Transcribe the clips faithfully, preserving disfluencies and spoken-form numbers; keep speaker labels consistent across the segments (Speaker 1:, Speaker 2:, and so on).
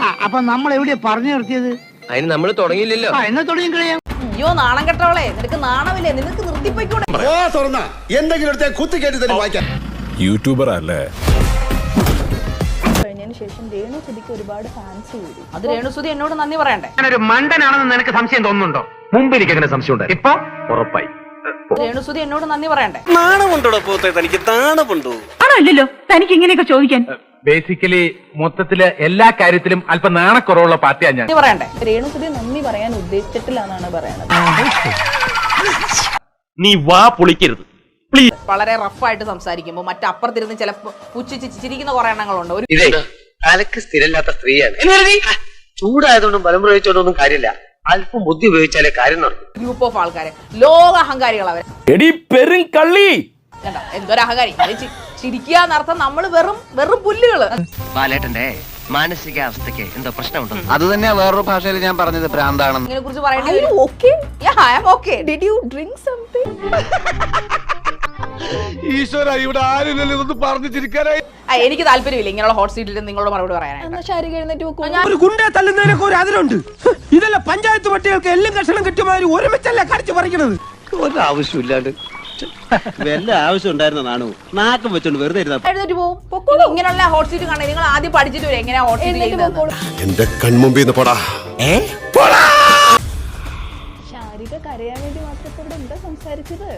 Speaker 1: അപ്പൊ നമ്മൾ എവിടെയാ പറഞ്ഞു നിർത്തിയത്?
Speaker 2: അതിന് നമ്മൾ തുടങ്ങിയില്ലല്ലോ.
Speaker 1: എന്നാ തുടങ്ങി കളയാം.
Speaker 3: അയ്യോ നാണം കെട്ടവളെ, നിനക്ക് നാണമില്ലേ? നിനക്ക് നിർത്തിപ്പോയിക്കൂടെ?
Speaker 4: യൂട്യൂബർ അല്ലേ?
Speaker 5: കഴിഞ്ഞതിന് ശേഷം രേണുസുതിക്ക് ഒരുപാട് ഫാൻസ് കൂടി.
Speaker 3: അത് രേണുസുതി എന്നോട് നന്ദി പറയണ്ടേ?
Speaker 1: ഞാനൊരു മണ്ടനാണെന്ന് നിനക്ക് സംശയം തോന്നുന്നുണ്ടോ? മുമ്പ് എനിക്ക് അങ്ങനെ സംശയം ഉണ്ട്, ഇപ്പൊ ഉറപ്പായി.
Speaker 3: രേണുസുതി എന്നോട് നന്ദി പറയണ്ടേ?
Speaker 6: നാണമുണ്ടോ പോത്തെ? തനിക്ക് നാണമുണ്ടോ?
Speaker 7: ആണല്ലോ തനിക്ക് ഇങ്ങനെയൊക്കെ ചോദിക്കാൻ.
Speaker 1: ബേസിക്കലി മൊത്തത്തില് എല്ലാ കാര്യത്തിലും അല്പം നാണക്കുറവുള്ള പാർട്ടിയാണ് ഞാൻ.
Speaker 3: നന്ദി പറയണ്ടേ?
Speaker 5: രേണുസുതി നന്ദി പറയാൻ ഉദ്ദേശിച്ചിട്ടില്ല എന്നാണ് പറയണത്.
Speaker 6: നീ വാ പൊളിക്കരുത്.
Speaker 3: വളരെ റഫായിട്ട് സംസാരിക്കുമ്പോ മറ്റപ്പുറത്തിരുന്ന് ചിലപ്പോ പുച്ഛിച്ച് ചിരിക്കുന്ന കുറെ എണ്ണങ്ങളുണ്ട്. ഒരു
Speaker 2: ഇതേ തലക്ക് സ്ഥിരമില്ലാത്ത സ്ത്രീയാണ്. ചൂടായതുകൊണ്ടും ബലം പ്രയോഗിച്ചോണ്ടൊന്നും കാര്യമില്ല. അല്പം ബുദ്ധി ഉപയോഗിച്ചാലേ കാര്യം നടക്കും.
Speaker 3: ഗ്രൂപ്പ് ഓഫ് ആൾക്കാര് ലോക അഹങ്കാരികൾ അവര്. കണ്ടോ എന്തൊരു അഹങ്കാരി. ചിരിക്കുക എന്നർത്ഥം നമ്മള് വെറും വെറും പുല്ലുകള്.
Speaker 2: ബാലേട്ടന്റെ മാനസികാവസ്ഥക്ക് എന്തോ പ്രശ്നമുണ്ടോ?
Speaker 8: അത് തന്നെയാ വേറൊരു ഭാഷയിൽ ഞാൻ പറഞ്ഞത് ഭ്രാന്താണെന്ന്.
Speaker 3: ഇതിനെ കുറിച്ച് പറയേണ്ടി
Speaker 5: Are you
Speaker 3: വരും.
Speaker 5: okay?
Speaker 3: Yeah, I am okay.
Speaker 5: Did you drink something?
Speaker 4: ഈശ്വര, ഇവിടെ ആരില്ലല്ലോ ഇതൊന്നും പറഞ്ഞു ചിരിക്കാനായി.
Speaker 3: ആ, എനിക്ക് താല്പര്യമില്ല ഇങ്ങനെയുള്ള ഹോട്ട് സീറ്റിൽ നിങ്ങളോട് മറുപടി പറയാനായിട്ട്.
Speaker 5: എന്നാ ശാരിക എഴുന്നേറ്റ് വെക്കൂ.
Speaker 3: ഞാൻ
Speaker 1: ഒരു ഗുണ്ടെ തല്ലുന്നതിനൊക്കെ ഒരു അതിലുണ്ട്. ഇതല്ല പഞ്ചായത്ത് പട്ടികൾക്ക് എല്ലാം കഷണം കിട്ടിയമാതിരി ഒരുമിച്ചല്ല കടിച്ചു പറിക്കണത്.
Speaker 6: ഒരാവശ്യമില്ലാണ്ട് വല്ല ആവശ്യം ഉണ്ടായിരുന്ന നാണു നാക്കം വെച്ചോണ്ട് വെറുതെ ഇരുന്നാ
Speaker 3: എഴുന്നേറ്റ് പോകും. പൊക്കോളൂ. ഇങ്ങനെയുള്ള ഹോട്ട് സീറ്റ് കാണാൻ നിങ്ങൾ ആദ്യം പഠിച്ചിട്ട് വരും എങ്ങനെയാ ഹോട്ട് സീറ്റ്
Speaker 5: എഴുന്നേറ്റ്
Speaker 3: ചെയ്യുന്നത്.
Speaker 5: പൊക്കോളൂ.
Speaker 4: എന്റെ കൺമുമ്പിൽ പോടാ.
Speaker 5: ശാരിക കരയാൻ വേണ്ടി മാത്രം ഇപ്പൊ ഇവിടെ എന്താ സംസാരിച്ചത്?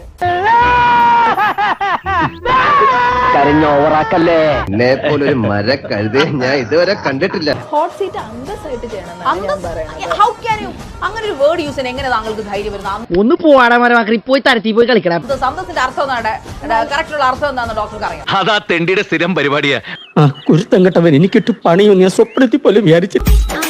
Speaker 2: കരഞ്ഞ ഓവറാക്കല്ലേ. എന്നെ പോലൊരു മര കഴുതേ ഞാൻ ഇതുവരെ കണ്ടിട്ടില്ല.
Speaker 5: ഹോട്ട് സീറ്റ് അന്തസ്സായിട്ട് ചെയ്യണം എന്നാണ് ഞാൻ പറയുന്നത്.
Speaker 3: How can you അങ്ങനെ ഒരു വേർഡ് യൂസ് ചെയ്യാൻ എങ്ങനെ താങ്കൾക്ക് ധൈര്യം വരുന്നത്?
Speaker 1: ഒന്ന് പോവാടാ മരമാക്കി പോയി തരത്തി പോയി കളിക്കണം.
Speaker 3: സന്തോഷത്തിന്റെ അർത്ഥം എന്താണ്? കറക്റ്റുള്ള അർത്ഥം എന്താണെന്ന് ഡോക്ടർക്ക് അറിയാം.
Speaker 6: അതാ തെണ്ടിയുടെ സ്ഥിരം പരിപാടിയാ.
Speaker 1: കുരുത്തം കെട്ടവൻ എനിക്കിട്ട് പണിയൊന്നും ഞാൻ സ്വപ്നത്തിൽ പോലും വിചാരിച്ചിട്ട്.